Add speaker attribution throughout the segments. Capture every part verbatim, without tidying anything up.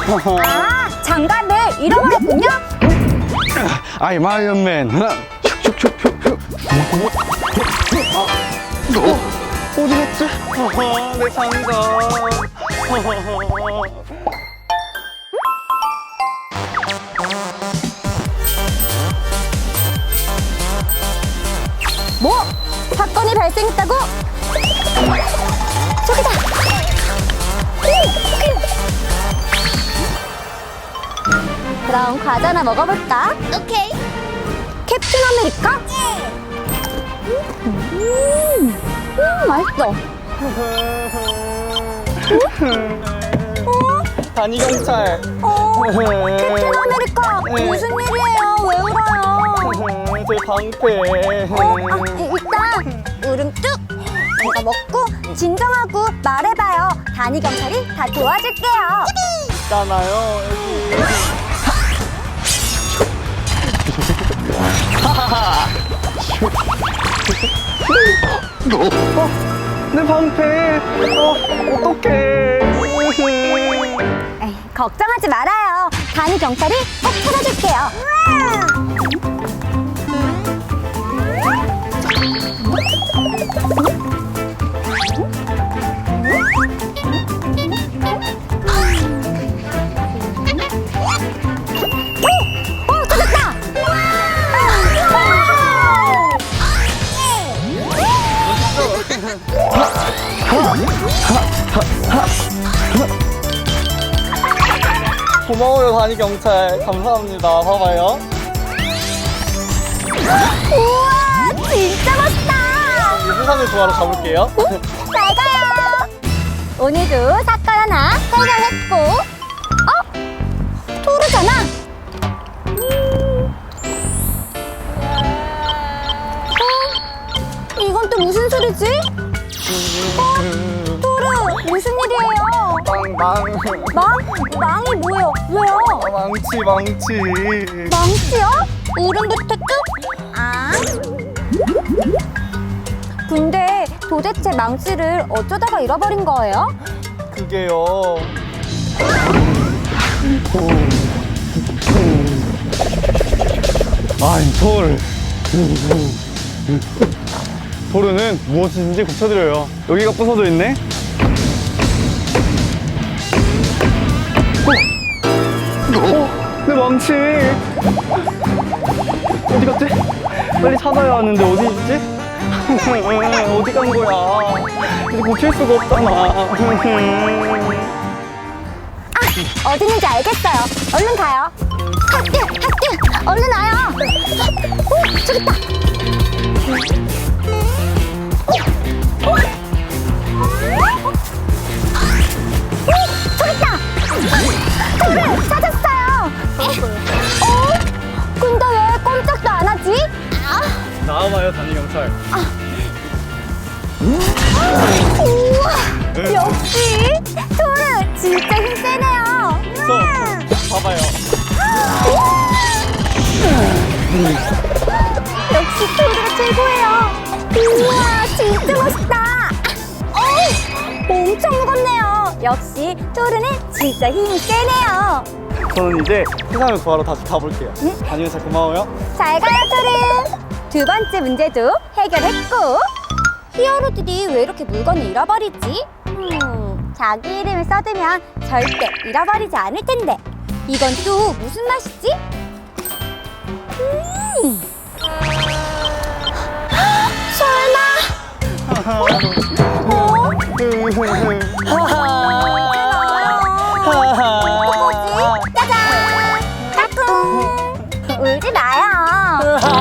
Speaker 1: 아, 장갑을 잃어버렸군요?
Speaker 2: 아이 마이언맨. 슉슉슉슉슉. 어? 어디 갔지? 내 장갑.
Speaker 1: 뭐? 사건이 발생했다고? 저기다! 그럼 과자나 먹어볼까? 오케이. 캡틴 아메리카? 음, 음 맛있어. 어?
Speaker 2: 단위 경찰.
Speaker 1: 어? 캡틴 아메리카 무슨 일이에요? 왜 울어요?
Speaker 2: 제 방패.
Speaker 1: 어? 아, 일단 울음 뚝! 이거 먹고 진정하고 말해봐요. 단위 경찰이 다 도와줄게요.
Speaker 2: 있잖아요. 어? 내 방패. 어? 어떡해.
Speaker 1: 에이, 걱정하지 말아요. 단위 경찰이 꼭 찾아줄게요. 오! 오! 찾았다!
Speaker 2: 고마워요 단위 경찰. 감사합니다. 봐봐요.
Speaker 1: 우와! 진짜 멋있다!
Speaker 2: 이 세상을 구하러 가볼게요.
Speaker 1: 잘 가요! 오늘도 사건 하나 해결했고, 어? 토르잖아? 음. 어? 이건 또 무슨 소리지? 어? 토르, 무슨 일이에요?
Speaker 2: 망, 망.
Speaker 1: 망? 망이 뭐예요? 왜요?
Speaker 2: 아, 망치, 망치.
Speaker 1: 망치요? 울음부터 뚝? 아. 근데 도대체 망치를 어쩌다가 잃어버린 거예요?
Speaker 2: 그게요. 아이, 토르. 토르는 무엇이든지 고쳐드려요. 여기가 부서져 있네? 어? 어? 내 망치! 어디 갔지? 빨리 찾아야 하는데 어디 있지? 어디 간 거야? 이제 고칠 수가 없잖아.
Speaker 1: 아, 어디 있는지 알겠어요. 얼른 가요. 하트, 하트, 얼른 와요. 오, 저기 있다. 오, 오, 저기 있다. 토르, 찾았어요. 어? 근데 왜 꼼짝도 안 하지? 아.
Speaker 2: 나와봐요, 단위 경찰.
Speaker 1: 우와, 역시 토르 진짜 힘세네요.
Speaker 2: 저, 봐봐요.
Speaker 1: 역시 토르가 최고예요. 우와, 진짜 멋있다. 어우, 엄청 무겁네요. 역시 토르는 진짜 힘이 세네요.
Speaker 2: 저는 이제 세상을 구하러 다시 가볼게요.
Speaker 1: 응?
Speaker 2: 단위 경찰 고마워요.
Speaker 1: 잘 가요, 토르. 두 번째 문제도 해결했고, 히어로들이 왜 이렇게 물건을 잃어버리지? 음, 자기 이름을 써두면 절대 잃어버리지 않을 텐데, 이건 또 무슨 맛이지? 음. 설마? 어? 뭐지? 짜잔! 까꿍! 울지 마요.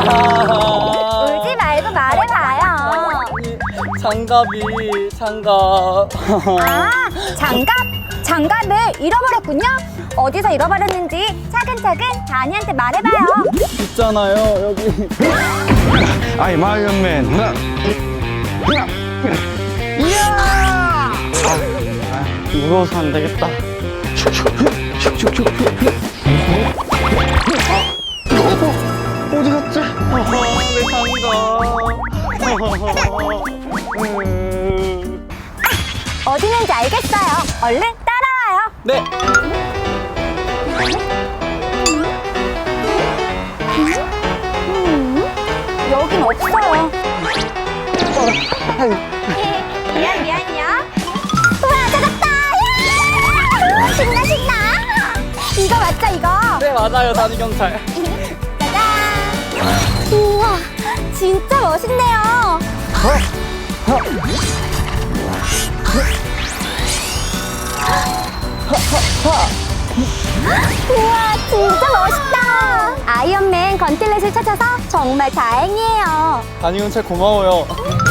Speaker 1: 울지 말고 말해봐요.
Speaker 2: 장갑이, 장갑.
Speaker 1: 아, 장갑? 장갑을 잃어버렸군요? 어디서 잃어버렸는지 차근차근 다니한테 말해봐요.
Speaker 2: 있잖아요, 여기. 아이, 마이언맨. 이야! 아, 무서워서 안 되겠다. 어? 어디 갔지? 내 장갑.
Speaker 1: 어디 있는지 알겠어요. 얼른 따라와요.
Speaker 2: 네.
Speaker 1: 있긴 없어요. 미안 미안이야. 우와 찾았다. 야! 신나 신나. 이거 맞죠 이거?
Speaker 2: 네 맞아요 단위 경찰.
Speaker 1: 짜잔. 우와 진짜 멋있네요. 우와 진짜 멋있다. 아이언맨 건틀렛을 찾아서 정말 다행이에요.
Speaker 2: 단위 경찰 고마워요.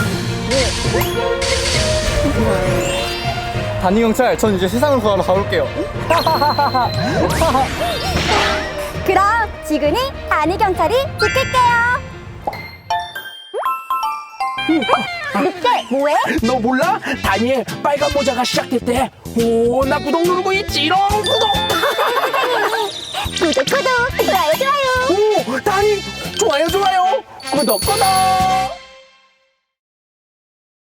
Speaker 2: 단위 경찰 전 이제 세상을 구하러 가볼게요.
Speaker 1: 그럼 지근이 단위 경찰이 지킬게요. 늑대 뭐해?
Speaker 3: 너 몰라? 다니엘 빨간 모자가 시작됐대. 오, 나 구독 누르고 있지롱. 구독.
Speaker 1: 구독 구독 좋아요 좋아요.
Speaker 3: 오, 다니 좋아요 좋아요. 구독 구독.